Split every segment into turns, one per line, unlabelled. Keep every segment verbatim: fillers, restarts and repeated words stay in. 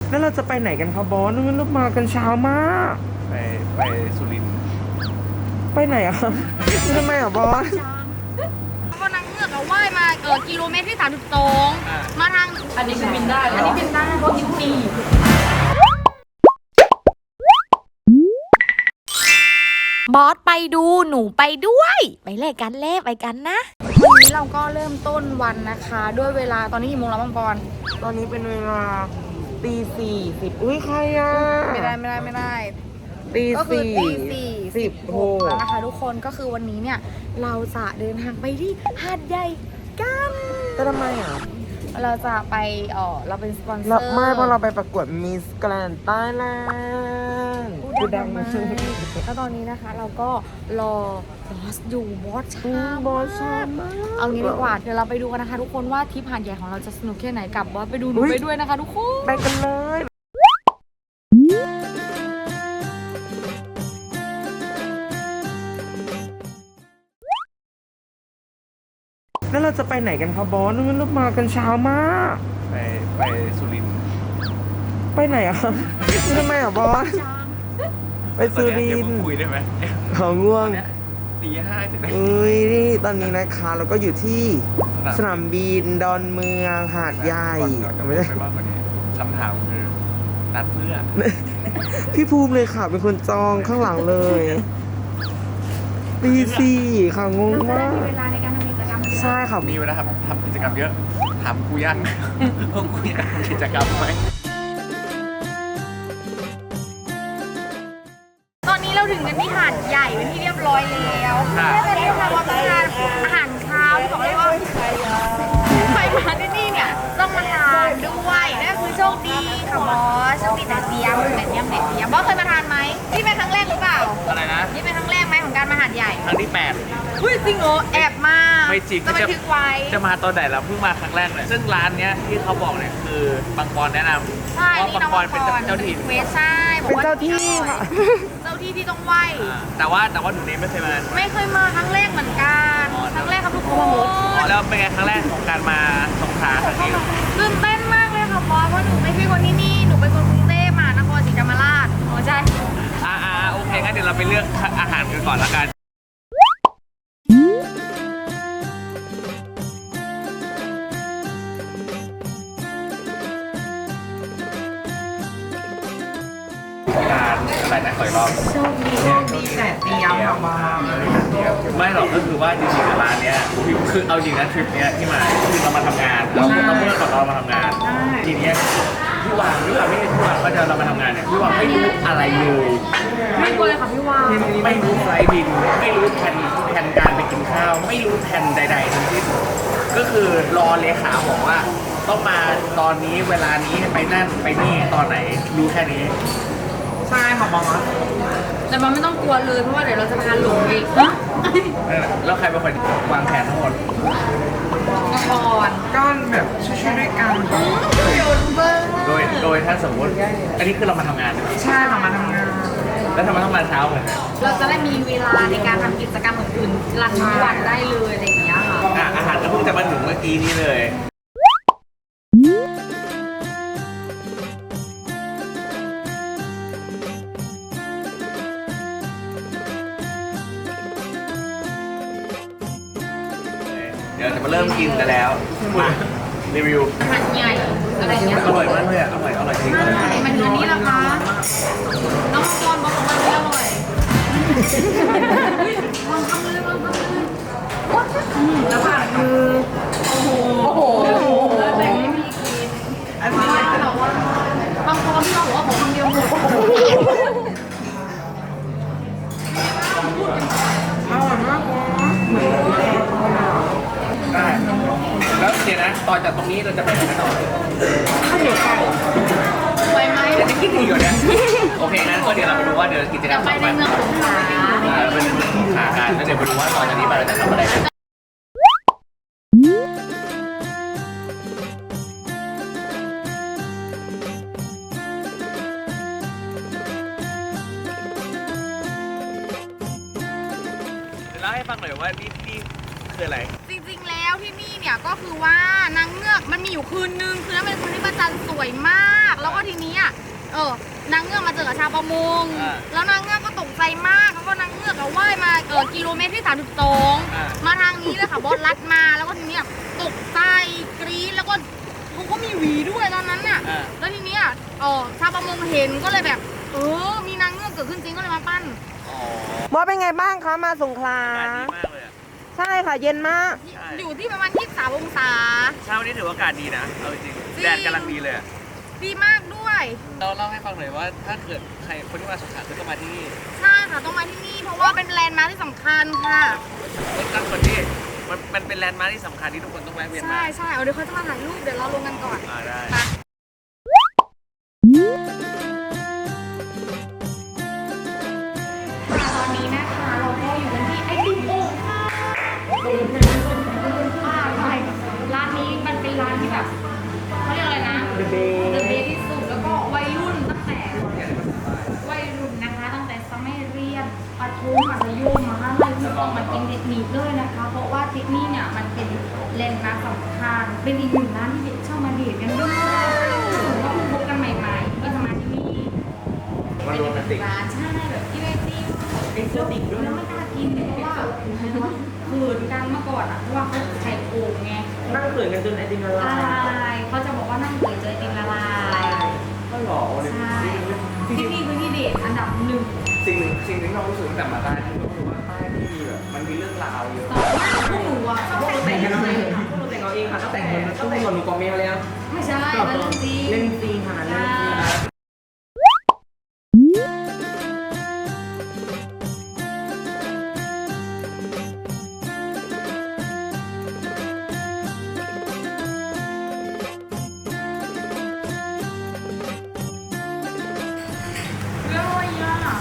แล้วเราจะไปไหนกันครับบอสเรามากันเช้ามาก
ไปไปสุรินทร์
ไปไหนอะครับทำไมอะบอส
ก็นางเงือกเอาว่ายมาเออกิโลเมตรที่สามสิบสองมาทางอันนี้คือบินได้อันนี้บินได้เพราะกินปี
บอสไปดูหนูไปด้วยไปเล่นกันเล่ไปกันนะ
วันนี้เราก็เริ่มต้นวันนะคะด้วยเวลาตอนนี้กี่โมงแล้วบางปอน
ตอนนี้เป็นเวลาตีสี่สิบอุ้ยใครอะ
ไม่ได้ไม่ได้ไม่ได้
ตี
ก็คือ
สี่
ตีสี่
สิบหก
แล้วนะคะทุกคนก็คือวันนี้เนี่ยเราจะเดินทางไปที่หาดใหญ่กัน
แต่ทำไมอ่ะ
เราจะไปเออเราเป็นสปอนเซอร์
ไม่เพราะเราไปประกวดมิสแกรนด์ใต้แลนด์
พูดดังมากแล้วตอนนี้นะคะเราก็รอบอสอยู่บอสช้า
บอสช้ามาก
เอางี้ดีกว่าเดี๋ยวเราไปดูกันนะคะทุกคนว่าทริปหาดใหญ่ของเราจะสนุกแค่ไหนกับบอสไปดูหนูไปด้วยนะคะทุกคน
ไปกันเลยแล้วเราจะไปไหนกันครับบอสเรามากันเช้ามาก
ไปไปสุรินทร์
ไปไหนอะครับทำไมอะบอสไปสุรินทร์
คุยได้ไหม
เขาง่วง
ตีห้าถึงได้
เอ้ยนี่ตอนนี้นะคะเราก็อยู่ที่สนามบินดอนเมืองหาดใหญ่
ไม่ได้มากกว่านี้คำถามคือนัดเพื่อ
พี่ภูมิเลยค่ะเป็นคนจองข้างหลังเลยตีสี่ค่ะงงมาก
มีเวลาในการทำกิจกรรม
ใช่ค่ะ
มีเวลาทำกิจกรรมเยอะถามกูยังว่ากูอยากทำกิจกรรมไหม
ตอนนี้เราถึงกันที่หาดใหญ่เป็นที่เรียบร้อยแล้วไม่ได้ทำว่าทานอาหารเช้าที่บอกเลยว่าใครมาที่นี่เนี่ยต้องมาทานด้วยนั่นคือโชคดีค่ะบอสโชคดีแต่เดียมแต่เดียมแต่เดียมบอสเคยมาทานไหมนี่เป็นครั้งแรกหรือเปล่า
อะไรนะ
นี่เป็นครั้งแรกไหมของการมาหาดใหญ่
ครั้งที่แปด
เฮ้ยจริงเหรอแอบมา
ไม่จริง
จะบันทึกไว้
จะมาตอนไหนเราเพิ่งมาครั้งแรกเลยซึ่งร้านเนี้ยที่เขาบอกเนี่ยคือบางปอนแนะนำ
ใช่
ว่าบางปอนเป็นเจ้าถิ่น
เวสใช่
เป็นเจ้าที่ค่ะ
เจ้าที่ที่ต้องไหว
แต่ว่าแต่ว่าหนูนี้ไม่เคยมา
ไม่เคยมาครั้งแรกเหมือนกันครั้งแรกครับทุกคน
แล้วเป็นไงครั้งแรกของการมาสงขลาครั้งนี้
ตื่นเต้นมากเลยค่ะบอสเพราะหนูไม่ใช่คนที่นี่หนูเป็นคนกรุงเทพมหานครศรีธรรมราชอ๋อใช่
อ่าอ่าโอเคงั้นเดี๋ยวเราไปเลือกอาหารกันก่อนละกันการอะไรนะขออีกรอบ
โชคดีโชคดีแต่เตรียมมา
ไม่หรอกก็คือว่าจริงๆร้านเนี้ยคือเอาจริงนะทริปเนี้ยที่มาคือเรามาทำงานเราเราเมื่อก่อนเรามาทำงานทีเนี้ยพี่วางพี่วางไม่ใช่พี่วางก็จะเรามาทำงานเนี่ยพี่วางไม่รู้อะไรเลย
ไม่กลัวเลยค่ะพี่วาง
ไม่รู้ไฟล์บินไม่รู้แผนแผนการไปกินข้าวไม่รู้แผนใดๆทั้งสิ้นก็คือรอเลขาบอกว่าต้องมาตอนนี้เวลานี้ไปนั่นไปนี่ตอนไหนรู้แค่นี้
ใช่ค่ะบอส
แต่มันไม่ต้องกลัวเลยเพราะว่าเดี๋ยวเราจะพาหลงเองฮะ
แล้วใครเป็นคนวางแผนทั้งหมด
ก่อน
ก็แบบช่วยๆด้วยกัน
โดยโดยถ้าสมมติอันนี้คือเรามาทำงาน
ใช่เรามาทำงาน
แล้วทำไมต้องมาเช้าเหมือนกัน
เราจะได้มีเวลาในการทำกิจกรรมอื่นๆหลังวันได้เลยอะไรอย่างเงี้ยค่ะ
อาหารก็เพิ่งจะมาถึงเมื่อกี้นี้เลยเดี๋ยวจะมาเริ่มกินกันแล้วมารีวิว
หาดใหญ่อะไรเงี้ย
อร่อยมากเลยอ่ะอร่อยอร่อยจริง
มันอันนี้ละคะน้องบอลบอกของมันไม่อร่อยวางคำเลยวางคำเลยแล้วผ่านคือโอ้โหโอ้โหแบ่งให้พี่กินไอ้บ้าเราว่าบางคนที่เราบอกว่าผมคำเดียวหมด
อร่อยมากเหมือน
ได้แล้วเดี๋ยวนะต่อจากตรงนี้เราจะไปไหนต่อ
ข้าวเหนียวไก่
ไปไหม
เดี๋ยวจะคิดอีกเหรอเนี่ยโอเคงั้นก็เดี๋ยวเราไปดูว่าเดี๋ยวกิจกรรมต่อไป
ในเมืองสงขลา
เราไปในเมืองสงขลากันแล้วเดี๋ยวไปดูว่าต่อจากนี้ไปเราจะทำอะไรกันเล่าให้ฟังหน่อยว่านี่นี่คืออะไร
จริงๆแล้วที่นี่เนี่ยก็คือว่านางเงือกมันมีอยู่คืนนึงคือนั้นเป็นคืนที่พระจันทร์สวยมากแล้วก็ทีนี้อ่ะกับชาวประมง
อ่า
แล้วนางเงือกก็ตกใจมากแล้วก็นางเงือกก็ว่ายมาเออกิโลเมตรที่สามสิบสอง
อ่า
มาทางนี้เลยค่ะบอสลัดมาแล้วก็ทีเนี้ยตกใจกรี๊ดแล้วก็เขาก็มีหวีด้วยตอนนั้นน่ะ
อ่า
แล้วทีเนี้ยเออชาวประมงเห็นก็เลยแบบ เออมีนางเงือกเกิดขึ้นจริงก็เลยมาปั้น
อ๋อบ
อสเป็นไงบ้างคะมาสงขลา
อากาศดีมากเลยอะ
ใช่ค่ะเย็นมาก
ใช่
อยู่ที่ประมาณยี่สิบสามองศา
เช้าวันนี้ถือว่าอากาศดีนะเอาจริง
จริง
แดดกำลังดีเลยอะ
ดีมากด้วย
เราเล่าให้ฟังหน่อยว่าถ้าเกิดใครคนที่มาสงขลาคือต้องมาที่นี่
ใช่ค่ะต้องมาที่นี่เพราะว่าเป็นแลนด์มาร์คที่สำคัญค่ะ
รถตั้งคนที่มันมันเป็นแลนด์มาร์คที่สำคัญที่ทุกคนต้องแวะเวียน
ใช่
มา
ใช่เอาเดี๋ยวเขาจะมาถ่ายรูปเดี๋ยวเราลงกันก่อน
อ่าได้
ตอนนี้นะคะเราก็อยู่กันที่ไอติมโอ่งค่ะอ่าใช่ร้านนี้มันเป็นร้านที่แบบเขาเรียกอะไรนะ
The Bay
The Bay ที่สุดแล้วก็วัยรุ่นตั้งแต่วัยรุ่นนะคะตั้งแต่สมัยเรียนประถมมัธยมมหาลัยที่ต้องมากินเด็ดหนีเลยนะคะ เพราะว่าที่นี่เนี่ยมันเป็นแลนด์มาร์คสำคัญเป็นอีกหนึ่งร้านที่เด็กชอบมาเดทกันด้วยถือว่าเพิ่งพบกันใหม่ๆก็จะมาที่นี่
มันโรแมนติก
ร้านใช่แบบที่ไอติมเอ็กโซติกด้วยแล้วไม่กล้ากินเพราะว่าเขินกันเมื่อก่อนอ่ะเพราะว่าเขาไข่โอ่งไง
นั่งเขินกันจนไอติมละ
ละ
ลาย
ลายเขาจะบอกว่านั่งเขินเจอไอติมละลาย
ก็หล่อเลย
ใช่ที่นี่คือที่เด็ดอันดับหนึ่ง
สิ่งหนึ่งสิ่งหนึ่งที่เรารู้สึกตั้งแต่มาใต้ที่ก็คือว่าใต้ที่แบบมันมีเรื่องราวเยอะ
ต่อมาพวกหนูอ่ะชอบ
พวกเราแต่
แต่
ง
ง
กั
กัน น
เอา
เล
เอง
ย
ค่ะพวกเราแต่งเอาเองค่ะตั้งแต่งคนตั้งแต่ก่อนหนูกอเมลแล้ว
ไม่ใช่มันเรื่องจริง
เล่นจริงค่ะเล่นจริง
เรื่องอะไรอ่ะ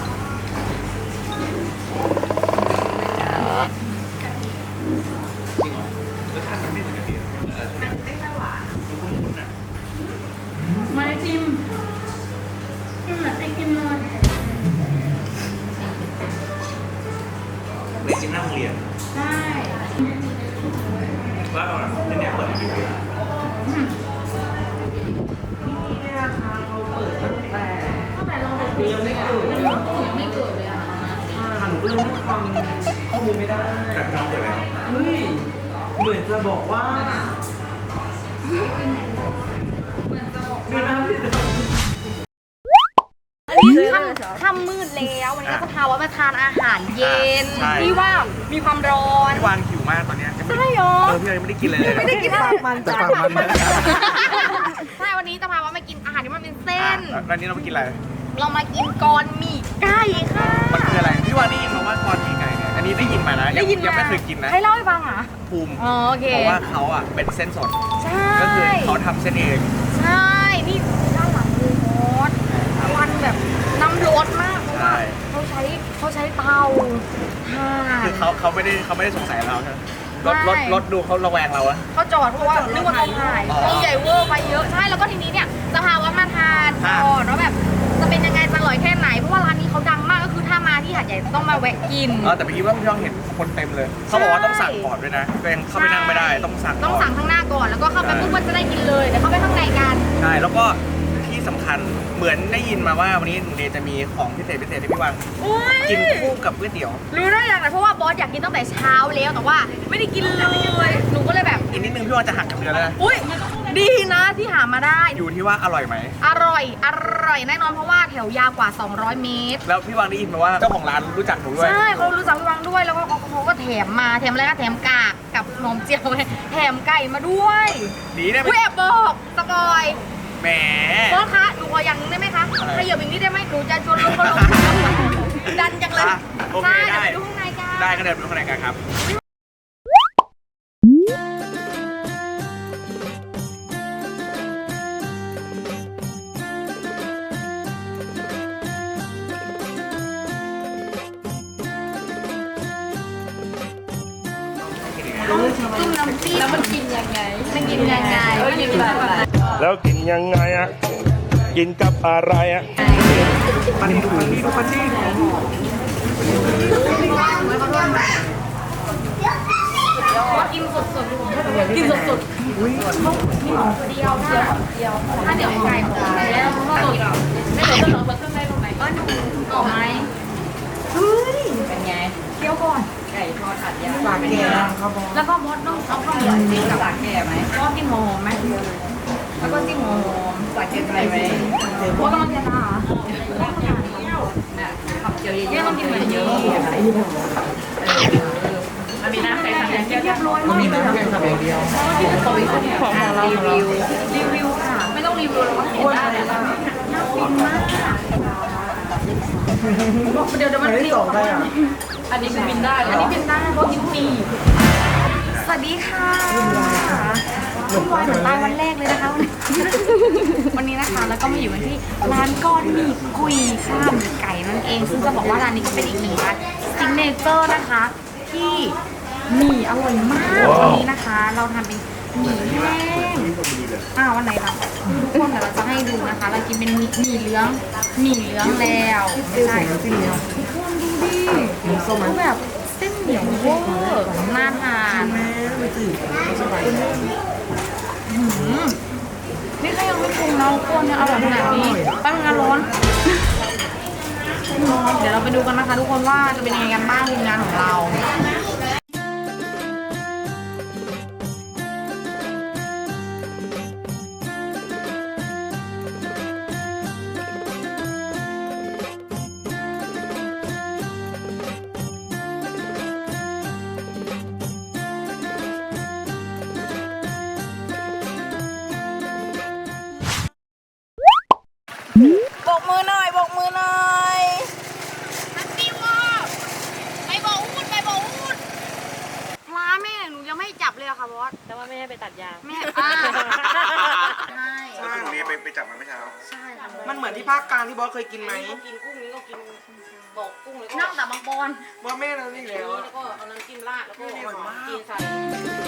รสชาติมันไม่เหมือนกันดีเออใช่ไหม
มาไอติมอืมไอติมเลย
เรียนจริงหน้าโรงเรียน
ใช่
ว่าเราเนี่ยเปิดอยู่ที่
นี่นะคะเขาเปิดตั้งแต่
ตั้งแต่เรา
หนูยังไม่เกิดเลยอะ
ยังไม่เกิดเลยอ่ะ
ค่ะหนูก็เลยไม่ฟังข้อมูลไม่ได้
แบบน้องเปิดแล้ว
เฮ้ยเหมือนจะบอกว่า
เหมือนจะบอก
เดือนหน้าพี่จะ
อันนี้ค่ำค่ำมืดแล้ววันนี้ก็จะพาว่ามาทานอาหารเย็นที่ว่ามีความร้อน
พี่วางหิวมากตอนเนี้ยยังไม่
ใช่หรอ
เออพี่ยังไม่ได้กินเลยเลย
ไม่ได้กินอะไร
มัน
แต่
จะ
ปากมัน
ใช่วันนี้จะพาว่ามากินอาหารที่มันเป็นเส้
อ่ะ
น
แล้วนี้เราไปกินอะไร
เรามากินกรหมี่ไก่ค่ะ
มันคืออะไรพี่วางได้ยินมาว่ากรมีไก่เนี่ยอันนี้ได้ยินมานะยังยังไม่เคยกินนะ
ให้เล่าให้ฟังอ่ะ
ภูมิ
อ๋อโอเค
เพราะว่าเขาอ่ะเป็นเส้นสด
ใช่
ก็คือเขาทำเส้นเอง
ใช่นี่ด้านหลังคือมอสควันแบบน้ำร้อนมากเพราะว่าเขาใช้เขาใช้เตาถ่าน
คือเขาเขาไม่ได้เขาไม่ได้สงสัยเราใช่ไหมรถรถ
ไม่
รถดูเขาระแวงเราอะ
เขาจอดเพราะว่านึกว่าเขาถ่าย
อ๋อ
เขาใหญ่เวอร์ไปเยอะใช่แล้วก็ทีนี้เนี่ยจะพาว่ามาทานก่อนว่าแบบจะเป็นยังไงจะอร่อยแค่ไหนเพราะว่าร้านนี้เขาดังมากก็คือถ้ามาที่หาดใหญ่ต้องมาแวะกิน
เออแต่เมื่อกี้ว่าพี่ช่องเห็นคนเต็มเลยเขาบอกว่าต้องสั่งก่อนด้วยนะตัวเองเข้าไปนั่งไม่ได้ต้องสั่ง
ต้อง
ก่อน
สั่งข้างหน้าก่อนแล้วก็เข้าไปปุ๊บก็จะได้กินเลยเดี๋ยวเข้าไปข้างในกัน
ใช่แล้วก็ที่สำคัญเหมือนได้ยินมาว่าวันนี้หนูเนยจะมีของพิเศษพิเศษให้พี่วาง
อุ้ย
กินคู่กับก๋วยเตี๋ยว
รู้ได้ยังไงเพราะว่าบอสอยากกินตั้งแต่เช้าแล้วแต่ว่าไม่ได้กินเลยหนูก็เลยแบบ
อีกนิดนึงพี่วางจะหักกับเดือนแล้วนะ
อุ้ยดีนะที่หามาได้
อยู่ที่ว่าอร่อยไหม
อร่อยอร่อยแน่นอนเพราะว่าแถวยาวกว่า สองร้อย เมตร
แล้วพี่วางได้ยินมาว่าเจ้าของร้านรู้จักหนูด้วย
ใช่เขารู้จักพี่วังด้วยแล้วก็เขาก็แถมมาแถมอะไรก็แถมกากกับขนมเจียวแถมไก่มาด้วย
ดีได้ไหม
อุ้ยแอบบอกสปอย
แหม
บอสคะหนูขออย่างหนึงได้ไหมคะ
อะไร
ขยับอีกนิดได้ไหมหนูจะชวนลงคนลงดันจังเลย
อ่ะโอเค
ใช่
ได้
เดี๋ยวไปดูข้างในกัน
ได้ก็เดินไปข้างในกันครับ
จุ่มน้ำจิ้มแล้วมันกินยังไงมันกินยังไงมันกินแบบไหน
แล้วกินยังไงอ่ะ กินกับอะไรอ่ะ
ปันนี้ดูปันนี้ดูปันนี้
กินสดสดๆกินสดสดๆเดียวเดียวเดียวถ้าเดี๋ยวไก่ของแล้วก็สดไม่เหลือจะเหลือเครื่องในตรงไหนก็
ครับบอส
แล้วก็บอสต้องเอาข้าวเหนียวจริงกับสาแก่ไหมบอสกินหัวหอมไหมแล้วก็จิ้มหัวหอมสาแก่อะไรไหมบอสกำลังจะด่าเนี่ยขับเจียวเยอะๆต้องกินมันเยอะมันมีน้ำใส่ทำอย่างเรียบร้อย
มันมีแต่แค่ขับอย่างเดียว
ของของเรารีวิวรีวิวค่ะไม่ต้องรีวิวเราก็เห็นได้เลยน่ากินมากเดี๋ยวเดี๋ยวมันรีบอันนี้คือบินได้อันนี้บินได้เพราะกินฟรีสวัสดีค่ะคุณวายหนูตายวันแรกเลยนะคะวันนี้นะคะแล้วก็มาอยู่กันที่ร้านก้อนหมี่กุยข้าวหมี่ไก่นั่นเองซึ่งจะบอกว่าร้านนี้ก็เป็นอีกหนึ่งร้านซิกเนเจอร์นะคะที่หมี่อร่อยมากวันนี้นะคะ เราทำเป็นหมี่แห้งอ้าววันไหนล่ะทุกคนเดี๋ยวเราจะให้ดูนะคะ เรากินเป็นหมี่หมี่เหลืองหมี่เหลืองแล้วไม่ใช่ทุกคนดูดิคือแบบเส้นเหนียวเวอร์น่าทานหืมนี่ก็ยังไม่ปรุงนะทุกคนยังอร่อยขนาดนี้แป๊บนึงนะร้อนร้อนเดี๋ยวเราไปดูกันนะคะ ทุกคนว่าจะเป็นยังไงกันบ้างทีมงานของเราบกมือหน่อยบกมือหน่อยฮัตตี้วอไปบอกอูดไปบอกอูดร้านแม่หนูยังไม่จับเลยอะค่ะบอสแต่ว่าแม่ให้ไปตัดยางแม่อ่าใช่
ใช่เมย์ไปไปจับมาเมื่อเช้า
ใช่ค่ะ
มันเหมือนที่ภาคกลางที่บอสเคยกินไหม
กินกุ้งนี้ก็กินบอกกุ้งแล้วก็
นั่งแต่บางปอน
บอสแม่นั่นนี่แล้ว
แล้วก็เอาน้ำจิ้มราดแล้วก็กินใส่